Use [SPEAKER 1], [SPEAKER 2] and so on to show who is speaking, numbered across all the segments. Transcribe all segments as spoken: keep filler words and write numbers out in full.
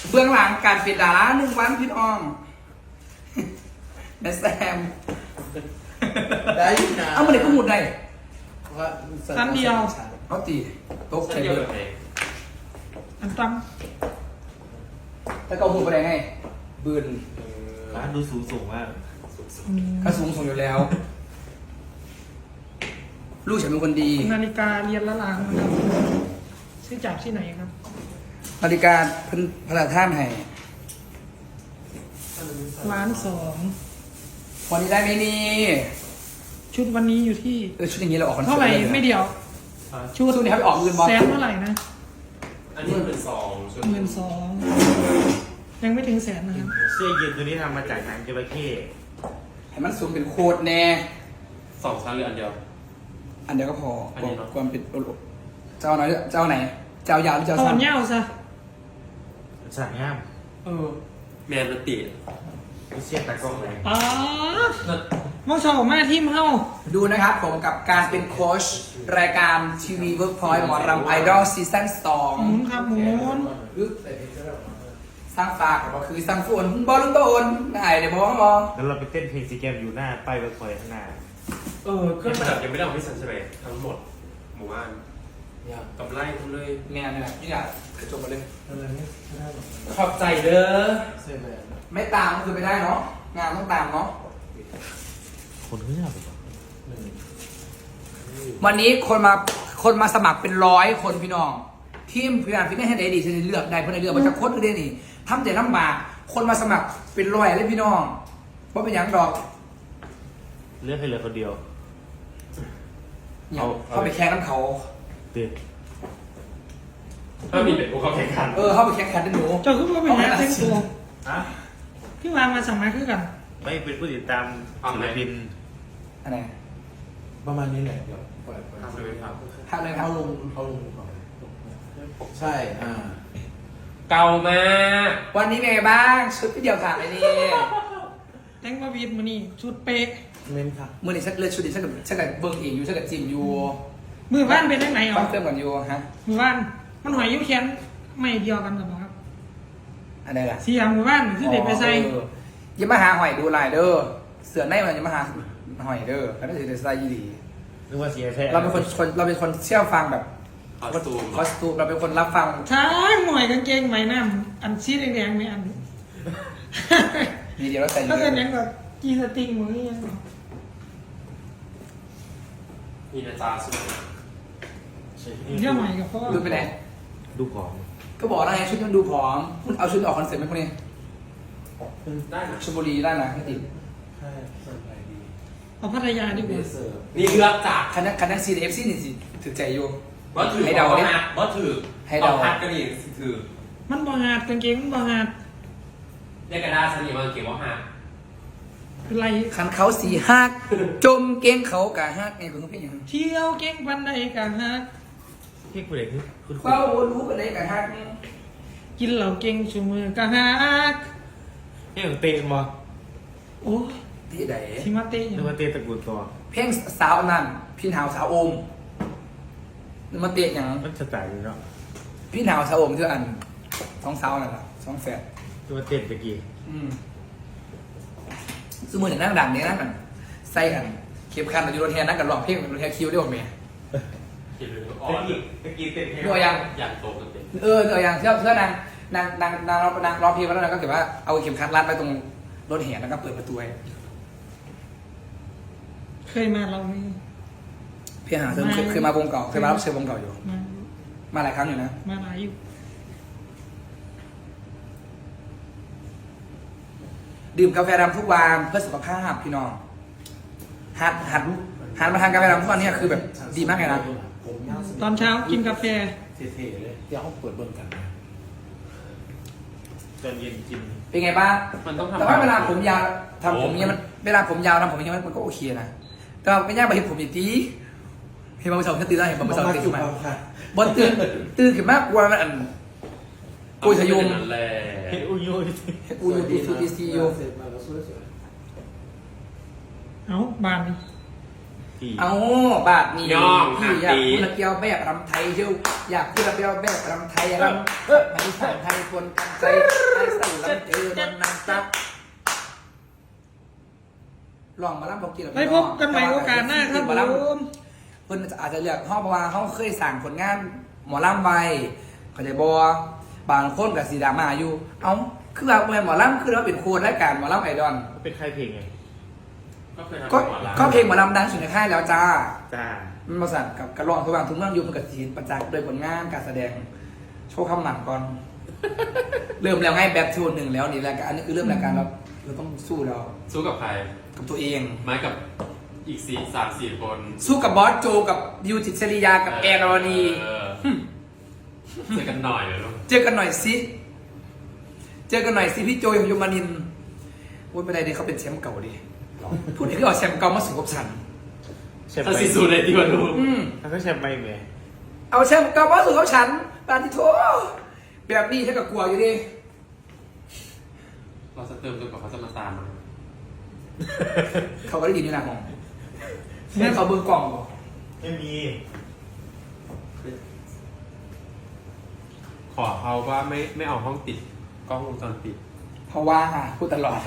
[SPEAKER 1] เบื้องหลังการเป็นดาราหนึ่งวันพี่น้องแม่แซม
[SPEAKER 2] ได้นะ
[SPEAKER 1] เอามาเด็กก็หมุดได้
[SPEAKER 3] ครั้งเดียว
[SPEAKER 1] เขาตีโต๊ะ
[SPEAKER 4] ใช่
[SPEAKER 1] ใช้
[SPEAKER 4] เดีย
[SPEAKER 1] เบ
[SPEAKER 4] ว
[SPEAKER 1] อร์
[SPEAKER 4] ไหน
[SPEAKER 3] อันตั้ม
[SPEAKER 1] แล้วก็หมุดไปได้ไงบืน
[SPEAKER 2] ร้านดูสูงสูงมาก
[SPEAKER 1] ถ้าสูงส่งอยู่แล้ว ลูกฉันเป็นคนดี
[SPEAKER 3] นาฬิกาเรียนละลางนะครับซื้อจากที่ไหนครับ
[SPEAKER 1] นาฬิกาเพิ่นพระราชท่านให้
[SPEAKER 3] ร้านสอง
[SPEAKER 1] วันนี้ได้ไหมนี่
[SPEAKER 3] ชุดวันนี้อยู่ที่
[SPEAKER 1] เออชุดอย่างนี้เราออกคอนเสิร์ต
[SPEAKER 3] เท่าไหร่
[SPEAKER 1] ด้ลย
[SPEAKER 3] ไม่เดียว
[SPEAKER 1] ชุดนี้ครับไปออกเงินบอล
[SPEAKER 3] แสนเท่าไหร่นะ
[SPEAKER 4] อันนี้เป็นสองชุด
[SPEAKER 3] หมื่นสองยังไม่ถึงแสนนะครับ
[SPEAKER 2] เสื้อยืดตัวนี้ทำมาจากหนังจระเข้
[SPEAKER 1] ให้มันสูงเป็นโคตรแน่
[SPEAKER 4] สองชั้นหรืออันเดียว
[SPEAKER 1] อันเดียวก็พอ
[SPEAKER 4] อันนี้เนอะ
[SPEAKER 1] ความเป็นเจ้าไหนเจ้าไหน เจ้ายาวหรือเจ้า
[SPEAKER 3] เอา
[SPEAKER 1] สั้
[SPEAKER 3] อั
[SPEAKER 1] น
[SPEAKER 3] นเงาซะ
[SPEAKER 2] สั่งง่าม
[SPEAKER 1] เออ
[SPEAKER 4] แมนมันติ
[SPEAKER 2] ไม่เชี่ยตากล้องเลย
[SPEAKER 3] อ๋อมองชอบมาทีมเฮา
[SPEAKER 1] ดูนะครับผมกับการเป็นโค้ชรายการทีวีเวิร์กพอยต์หมอรำไอดอลซีซั่นสอง
[SPEAKER 3] หมุนครับหมุน
[SPEAKER 1] สร้างฝากก็คือสร้างฝนบอลลูนโตนได้เดี๋ยวบอกว่าบอ
[SPEAKER 2] แล้วเราไปเต้นเพลงซีแกมอยู่หน้าป้ายเวิร์กพอยต์ข้างหน้า
[SPEAKER 1] เออ
[SPEAKER 4] เค
[SPEAKER 1] เค
[SPEAKER 4] รื่
[SPEAKER 1] รื่
[SPEAKER 4] อ
[SPEAKER 1] อง งประ ระดั
[SPEAKER 4] ปดับบ ยังไม่ได้เอาไปสันใช่ไหมทั้งหมด หมู่บ้านกับไล่ทั้งเลย
[SPEAKER 1] งานเนี่ยนี่แหละกระจกมาเลย
[SPEAKER 2] อะไรเนี่ย
[SPEAKER 1] ขอบใจเด้อ
[SPEAKER 2] เสื้อแบบ
[SPEAKER 1] ไม่ตามก็คือไม่ได้เนาะงานต้องตามเนาะ
[SPEAKER 2] คนเงียบเหรอ
[SPEAKER 1] วันนี้คนมาคนมาสมัครเป็นร้อยคนพี่น้องทีมพยานฟิตเนสให้ได้ดีฉันเลือกได้เพราะในเลือกมันจะโคตรได้นี่ทำแต่ลำบากคนมาสมัครเป็นร้อยเลยพี่น้องว่าเป็นอย่างดอก
[SPEAKER 2] เลือกให้เหลือคนเดียว
[SPEAKER 1] เนี่ย
[SPEAKER 2] เอา
[SPEAKER 1] เข้าไปแข่งน้ำเขา
[SPEAKER 2] เตือน
[SPEAKER 4] ถ้ามีเป็นพวกเขาแข่งขัน
[SPEAKER 1] เออเข้าไปแข่งขันด้วยหนู
[SPEAKER 3] เจ้าคือว่าเป็นนักเต้นตัว
[SPEAKER 2] ฮะ
[SPEAKER 3] พี่วางมาสมัครคือกัน
[SPEAKER 2] ไม่เป็นผู้ติดตามศิลปิน
[SPEAKER 1] อันไหน
[SPEAKER 5] ประมาณนี้แหละเดี๋ยวปล่อยปล่อย
[SPEAKER 4] ทำเลยครับ
[SPEAKER 1] ทำเลยครับ
[SPEAKER 5] เอาลงเอาลงก่อนใช่ อ่า
[SPEAKER 4] เก่ามาก
[SPEAKER 1] วันนี้เป็นไงบ้างชุดพี่เดียวขาดเลยนี่
[SPEAKER 3] แต่งมาวีดมานี่ชุดเป๊ะ
[SPEAKER 5] เมนค่ะ
[SPEAKER 1] มือนี่ฉันเลือกชุดนี้ฉันกับฉันกับเบิ้งเองอยู่ฉันกับจิมอยู่
[SPEAKER 3] มือบ้านเป็นยังไงอ๋
[SPEAKER 1] บ้า
[SPEAKER 3] อน
[SPEAKER 1] เติมก่อนอยู่ฮะ
[SPEAKER 3] มือบ้านมันหอยยิ้วแขนไม่เดียวกันกับครับ
[SPEAKER 1] อันไหนล่ะ
[SPEAKER 3] เสียมือบ้านคือเด็กไปใส่
[SPEAKER 1] เอออยังมาหาหอยดูลายเด้อเสือในมันอยังมาหาหอยเด้อแล้วก็ถือแต่ใส่ยีดี
[SPEAKER 2] นึกว่าเสียแท้
[SPEAKER 1] เราเป็นคนคนเราเป็นคนเชื่อฟังแบบ
[SPEAKER 4] คอสตูม
[SPEAKER 1] คอสตูมเราเป็นคนรับฟัง
[SPEAKER 3] ใช่หน่วยกางเกงไหมน้ำอันชี้แดงๆไหมอัน
[SPEAKER 1] มีเดียวเราใส่
[SPEAKER 3] ถ้า
[SPEAKER 1] เย
[SPEAKER 3] เกิด
[SPEAKER 1] อะ
[SPEAKER 3] ยังแบบกีสติงมือยัง
[SPEAKER 4] มีนาจาสุด
[SPEAKER 3] เรื่องใหม่กับพ่อ
[SPEAKER 1] ดูไปไหน
[SPEAKER 2] ดูของ
[SPEAKER 1] ก็บอกแล้วไงชุดมันดูผอมคุณเอาชุดออกคอนเสิร์ตไหมพวกนี้
[SPEAKER 4] ได้นะ
[SPEAKER 1] ชลบุรีได้นะไม่ติด
[SPEAKER 5] ใช่สบายดี
[SPEAKER 3] เอาพัทยาดีก
[SPEAKER 5] เบ
[SPEAKER 3] ว่า
[SPEAKER 5] สเซอร์
[SPEAKER 4] นี่เลือกจาก
[SPEAKER 1] คณะคณะซีเอฟซีนี่สิถือใจอยู่
[SPEAKER 4] ว่าถือ
[SPEAKER 1] ให้เดาดิ
[SPEAKER 4] ว่าถือ
[SPEAKER 1] ให้เดา
[SPEAKER 4] อพัดก็ดีถือ
[SPEAKER 3] มันบางาดกางเกงมันบางาด
[SPEAKER 4] เรียกกันได้สนิทมาเก็บว่าหัก
[SPEAKER 3] เป็นไร
[SPEAKER 1] คันเขาสีหักจมเก้งเขากะฮักไงคุณต้องเป็นอย่างนั้น
[SPEAKER 3] เที่ยวเก่งปันใดกันฮะ
[SPEAKER 2] พี่ผู้เด็กคือคุณ
[SPEAKER 1] เฝ้ารู้กันได้กะฮักเนี่ย
[SPEAKER 3] กินเหล่าเก่งชูมือกันฮะ
[SPEAKER 2] นี่ของเต้นบ่
[SPEAKER 3] โอ้ย
[SPEAKER 1] ที่ไหน
[SPEAKER 3] ทิมาเต้
[SPEAKER 2] นึกว่าเต้นตระกูลตัว
[SPEAKER 1] เพลงสาวอันนั้นพี่หนาวสาวโอมนึกมาเตะอย่าง
[SPEAKER 2] มันจะตายอยู่เนาะ
[SPEAKER 1] พี่หนาวสาวโอมคืออันสองสาวนั่นแหละสองแฝด
[SPEAKER 2] นึกว่าเต้นตะกี้
[SPEAKER 1] อืมสมมติอย่างนั่งดังเนี่ยนั่งกันใส่กันเข็มขัดอยู่รถแทนนั่งกันร้องเพลงรถแทนคิวได้หมดไหม
[SPEAKER 4] เก็บเลยอ่อ
[SPEAKER 2] ตะ
[SPEAKER 4] น
[SPEAKER 2] กี้ตะกี้เต้นเพลง
[SPEAKER 1] ดูยัง
[SPEAKER 4] อย่างโตกันเต็ม
[SPEAKER 1] เออเอออย่างเชื่อเชื่อนางนางนางนางร้องนางร้องเพลงมาแล้วนางก็เก็บว่าเอาเข็มขัดรัดไปตรงรถแห่แล้วก็เปิดประตูให้
[SPEAKER 3] เคยมาเรานี่
[SPEAKER 1] พี่หาเธอเคยเคยมาวงเก่าเคยมารับเชิญวงเก่าอยู่
[SPEAKER 3] มา
[SPEAKER 1] มาหลายครั้งอยู่นะ
[SPEAKER 3] มาหลายอยู่
[SPEAKER 1] ดื่มกาแฟดำทุกวันเพื่อสุขภาพพี่น้องหัดหัดหัดมาทานกาแฟดำทุกวันเนี่ยคือแบบดีมากเลยนะ
[SPEAKER 5] ผมยาวส
[SPEAKER 3] ตอนเช้ากินกาแฟ
[SPEAKER 5] เท่ๆเลย เดี๋ยวเขาเปิดเบิ่งกันนะ
[SPEAKER 2] ตอนเย็นกิน
[SPEAKER 1] เป็นไงบ้าง
[SPEAKER 4] มันต้องทำ
[SPEAKER 1] แต่ว่าเวลาผมยาวทำผมเนี่ยมันเวลาผมยาวทำผมเนี่ยมันก็โอเคนะแต่ว่าไม่ยากไปเห็นผมอย่างนี้เห็นบางสาวตื่นได้เห็นบางสาวตื่นขึ้นมา
[SPEAKER 5] อยู่ค่ะ
[SPEAKER 1] บนตื่นตื่นขึ้นมากกว่ามันอันกุยสยุง
[SPEAKER 4] นั่นแหละ
[SPEAKER 2] เฮ็ดอุ้ยอุ้ย
[SPEAKER 1] อูยูดีซูดีซียู
[SPEAKER 5] เสร็จมาแล้วสวย
[SPEAKER 3] เอาบานนี่
[SPEAKER 2] พี่
[SPEAKER 1] เอาบาทนี้
[SPEAKER 4] ย่อง
[SPEAKER 1] พี่อยาก
[SPEAKER 4] ตี
[SPEAKER 1] พูดระเกียวแบบรำไทยเชียวอยากพูดระเกียวแบบรำไทยรำเออไม่ใช่ไทยคนกันใจไอ้ใส่ลำเจอมันนางซักลองมาล่ำพบกิน
[SPEAKER 3] ไปพบกันใหม่โอกาสหน้าครับผม
[SPEAKER 1] เพิ่นอาจจะเลือกห้องเพราะว่าเขาเคยสั่งผลงานหมอลำไว้เข้าใจบ่บางคนกับสีดราม่าอยู่ เอ้าคือว่าหมอลำคือเราเป็นโค้ดรายการหมอลำไอดอล
[SPEAKER 2] เป็นใครเพลงไง
[SPEAKER 4] ก็เคยทำ
[SPEAKER 1] ก็
[SPEAKER 4] หมอลำ
[SPEAKER 1] ก็เพลงหมอลำดังสุดในค่ายแล้วจ้า
[SPEAKER 2] จ้า
[SPEAKER 1] มันมาสั่งกับกระรองทุกวันทุกเรื่องอยู่มันกับสีประจักษ์โดยผลงานการแสดงโชว์คำหมันก่อน เริ่มแล้วไงแบบโชว์หนึ่งแล้วนี่รายการอันนี้คือเริ่มรายการเราเราต้องสู้แล้ว
[SPEAKER 4] สู้กับใคร
[SPEAKER 1] กับตัวเอง
[SPEAKER 4] ไม้กับอีกสี่สามสี่คน
[SPEAKER 1] สู้กับบอสโจกับดิวจิตรศริยากับแอร์รอนี
[SPEAKER 4] เออเจอกันหน่อยเลยลูก
[SPEAKER 1] เจอกันหน่อยสิเจอกันหน่อยสิพี่โจยของยมนินทร์โอ้ยไม่ได้ดิเขาเป็นแชมป์เก่าดิพูดถึงก็เอาแชมป์เก่ามาสู่กับฉัน
[SPEAKER 2] แชมป์
[SPEAKER 4] ถ้า
[SPEAKER 2] ไป
[SPEAKER 4] ซีซูเลยดีกว่าลูก
[SPEAKER 1] อืม
[SPEAKER 2] ถ้าก็แชมป์ไปไหม
[SPEAKER 1] เอาแชมป์เก่ามาสู่กับฉันปาติโทแบบนี้ถ้ากับกลัวอยู่ดิ
[SPEAKER 4] เราจะเติมจนกว่าเขาจะมาตามมา
[SPEAKER 1] เขาก็ได้ยินในหนังของแม่เขาเบิ่งกล่องบ่
[SPEAKER 2] ไม่มี
[SPEAKER 4] ขอเขาว่าไม่ไม่เอาห้องติดกล้องวงจรปิด
[SPEAKER 1] เพราะว่าพูดตลอด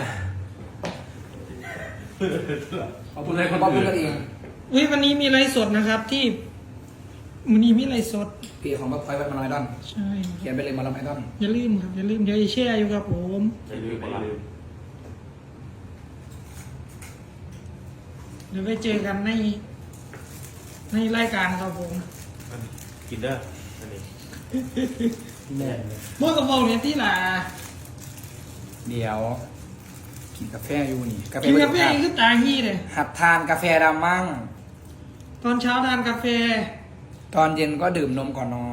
[SPEAKER 1] เขาพูดอะไรเขาพูดกันเอง
[SPEAKER 3] เฮ้ยวันนี้มีไลฟ์สดนะครับที่วันนี้มีไลฟ์สด
[SPEAKER 1] เพจของบัฟไฟวันมาลายดอน
[SPEAKER 3] ใช่
[SPEAKER 1] เขียนไปเลยมาลายดอน
[SPEAKER 3] อย่าลืมครับอย่าลืมเดี๋ยวจะแชร์อยู่ครับผม
[SPEAKER 4] อย่าลืมอย่าลืม
[SPEAKER 3] เดี๋ยวไปเจอกันในในรายการครับผม
[SPEAKER 2] กินเด้ออันนี้
[SPEAKER 5] แน่นเลย
[SPEAKER 3] เมื่อกับเบาเนี่ยที่หล่ะ
[SPEAKER 1] เดี๋ยวกินกาแฟอยู่นี่กาแฟ
[SPEAKER 3] กินกาแฟ
[SPEAKER 1] ไม่
[SPEAKER 3] อีก
[SPEAKER 1] ได้
[SPEAKER 3] คือตาฮี้เลย
[SPEAKER 1] หัดทานกาแฟดำมั่ง
[SPEAKER 3] ตอนเช้าทานกาแฟ
[SPEAKER 1] ตอนเย็นก็ดื่มนมก่อนนอน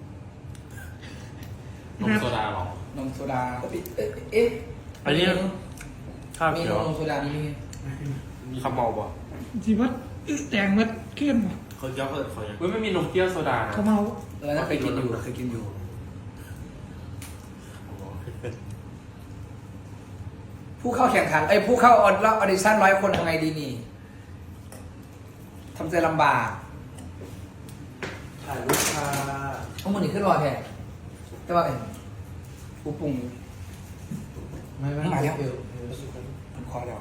[SPEAKER 4] นมโซดาเหรอน
[SPEAKER 1] มโซดาเอ๊ะเอ๊ะเอ๊ะ
[SPEAKER 2] อันนี้ข้าว
[SPEAKER 1] มี
[SPEAKER 2] เขี
[SPEAKER 1] น
[SPEAKER 2] ยว
[SPEAKER 1] มโซดานี่มี
[SPEAKER 2] ข้าวเมาบ่
[SPEAKER 3] สิว่าอึ๊ะแต่งมัดขึ้นบ่
[SPEAKER 2] เขาเจ้าเขาเขายัง
[SPEAKER 4] เว้ยไม่มีนมเปรี้ยวโซดานะ
[SPEAKER 3] เขาเมา
[SPEAKER 1] เออน่าเคยกินอยู่เคยกินอยู่ ผู้เข้าแข่งขันไอ้ยผู้เข้าออดรอบออดิชั่นร้อยคนทำไงดีนี่ทำใจลำบาก
[SPEAKER 5] ถ่ายรูปค่ะ
[SPEAKER 1] ต้องมันนี่ขึ้นรอแท้แต่ว่าเอ็นผู้ปรุง
[SPEAKER 5] ไม่ไม่
[SPEAKER 1] มาแล้ว
[SPEAKER 5] เดี๋ยวเดี๋ยวสุดท้าย
[SPEAKER 1] มันคอแล้ว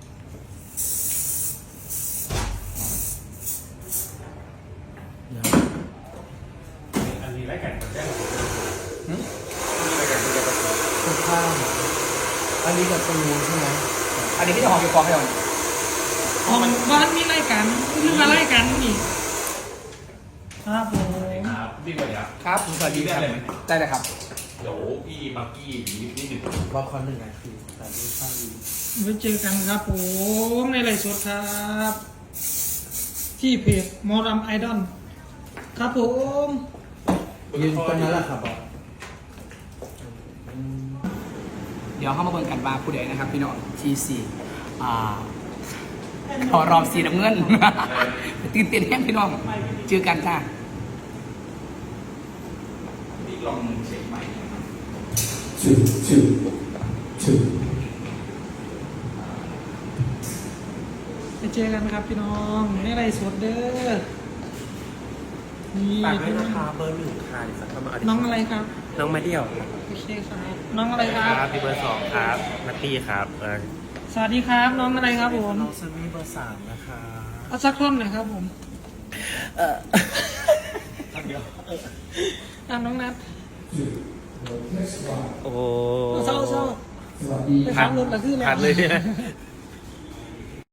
[SPEAKER 4] อันนี้รายการมันได้หรอ
[SPEAKER 1] หึ
[SPEAKER 5] สุดท้ายอันนี้กับตูนใช่ไหม
[SPEAKER 1] อันนี้พี่จะหอมอยู่คอให้เรา
[SPEAKER 3] ของบ้านมีรายการคือมารายการนี่ครับผม
[SPEAKER 4] ครับพี่วันนี้
[SPEAKER 1] ครับสวัสดีครับได้เลยครับ
[SPEAKER 4] เดี๋ยวพี่บักกี้นิดนิดหนึ่ง
[SPEAKER 5] รอคอนหนึ่งนาทีถ่ายรูปข้างดี
[SPEAKER 3] ไว้เจอกันครับผมในไลฟ์สดครับ ที่เพจมอรัมไอดอลครับผม
[SPEAKER 5] ยืนตรงนั้นแหละครับบอส
[SPEAKER 1] เดี๋ยวเข้ามาเบิ่งกันว่าผู้ใดนะครับ พี่น้องทีสี่อ่าพอรอบสีน้ำเงิน ตื่นเต้นแห้งพี่น้องเจอกันจ้าพี่ลองเช็คใหม่
[SPEAKER 5] ชื่อชื่อชื่อ
[SPEAKER 3] ไปเจอกันครับพี่น้องในไลฟ์สดเด้อนี่
[SPEAKER 2] ฝากด้วยนะคะเบอร์หนึ่งค่ะเดี๋ยวจะเข้ามา
[SPEAKER 3] น้องอะไรครับ
[SPEAKER 2] น้องมาเดี่ยว
[SPEAKER 3] โอเคครับ น้องอะไรค
[SPEAKER 2] ค
[SPEAKER 3] รั
[SPEAKER 2] รับบ พี่เบอร์สองครับนัตตี้ครับเออ
[SPEAKER 3] สวัสดีครับ น้องอะไรครับผม
[SPEAKER 5] น้องซันนี่เบอร์สามนะคะ
[SPEAKER 3] เอาสักท่อนหน่อยครับผม
[SPEAKER 5] ท่านเดียว
[SPEAKER 3] อ่ะน้องนัท
[SPEAKER 2] โอ้โห
[SPEAKER 3] เศร้าเศร้า
[SPEAKER 1] สวัสดี
[SPEAKER 3] ไปขับรถละคืออะไร
[SPEAKER 2] ผ่านเลยเนี่ย